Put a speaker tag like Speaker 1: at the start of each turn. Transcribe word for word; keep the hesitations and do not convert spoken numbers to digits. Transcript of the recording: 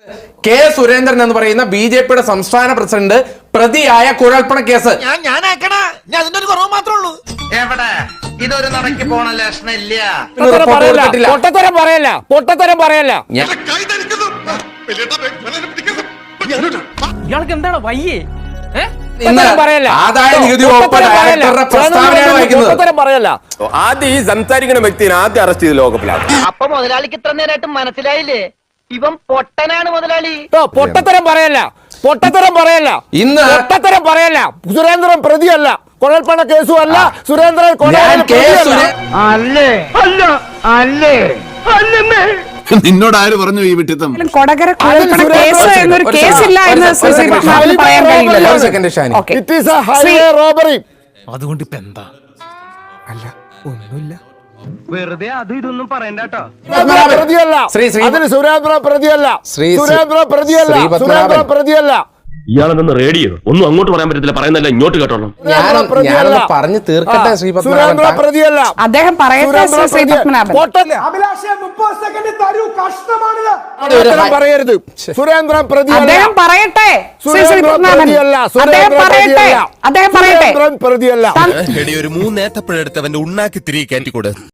Speaker 1: K Surendran എന്ന് പറയുന്ന B J പിയുടെ സംസ്ഥാന പ്രസിഡന്റ് പ്രതിയായ കുഴൽപ്പണ കേസ്.
Speaker 2: എവിടെ ഇതൊരു നടക്കി പോണ ലക്ഷണില്ല.
Speaker 3: പൊട്ടത്തരം പറയല്ല, പൊട്ടത്തരം പറയല്ല.
Speaker 4: ഇയാൾക്ക് എന്താണ് വയ്യേ?
Speaker 1: ആദായ നികുതി വകുപ്പ് ഡയറക്ടറുടെ പ്രസ്താവനയാണ് വായിക്കുന്നത്.
Speaker 5: ആദ്യം ഈ സംസാരിക്കുന്ന വ്യക്തിനെ ആദ്യം അറസ്റ്റ് ചെയ്ത് ലോകപ്പിലാണ്.
Speaker 6: അപ്പൊ മുതലാളിക്ക് ഇത്ര നേരമായിട്ട് മനസ്സിലായില്ലേ ഇവൻ പൊട്ടനാണ് മുതലാളി.
Speaker 3: പൊട്ടത്തരം പറയല്ല, പൊട്ടത്തരം പറയല്ല,
Speaker 1: ഇന്ന്
Speaker 3: പൊട്ടത്തരം പറയല്ല. സുരേന്ദ്രൻ പ്രതിയല്ല, കുഴൽപ്പണ കേസും അല്ല. സുരേന്ദ്രൻ
Speaker 6: അല്ലേ അല്ല അല്ലേ അല്ലേ
Speaker 7: നിന്നോട് ആര് പറഞ്ഞു ഈ വിട്ടിത്തം?
Speaker 8: കൊടകര കുഴൽപ്പണ കേസ് എന്നൊരു കേസില്ല എന്ന് ശ്രീ പത്മനാഭന് പറയാൻ കഴിയില്ലല്ലോ.
Speaker 4: അതുകൊണ്ട് ഇപ്പൊ എന്താ? അല്ല ഒന്നുമില്ല,
Speaker 6: വെറുതെ അതും ഇതൊന്നും പറയണ്ട കേട്ടോ.
Speaker 3: പ്രതിയല്ല, അതിന് സുരേന്ദ്രൻ പ്രതിയല്ല, സുരേന്ദ്രൻ പ്രതിയല്ല, സുരേന്ദ്രൻ പ്രതിയല്ല.
Speaker 5: ഇയാളെന്ന് റേഡിയോ ഒന്നും അങ്ങോട്ട് പറയാൻ പറ്റത്തില്ല, പറയുന്നല്ല ഇങ്ങോട്ട് കേട്ടോളൂ.
Speaker 1: ഞാനൊന്ന് പറഞ്ഞു തീർക്കട്ടെ ശ്രീ പത്മനാഭൻ.
Speaker 3: പ്രതിയല്ല,
Speaker 8: അദ്ദേഹം പറയട്ടെ ശ്രീ പത്മനാഭൻ.
Speaker 3: പറയരുത്. സുരേന്ദ്രൻ പ്രതിയല്ല,
Speaker 8: അദ്ദേഹം പറയട്ടെ ശ്രീ ശ്രീ പത്മനാഭൻ. അദ്ദേഹം പറയട്ടെ, അദ്ദേഹം പറയട്ടെ.
Speaker 3: പ്രതിയല്ല.
Speaker 7: ഒരു മൂന്നേത്തപ്പഴെടുത്ത് അവന്റെ ഉണ്ണാക്കി തിരികെ കയറ്റിക്കൂടെ?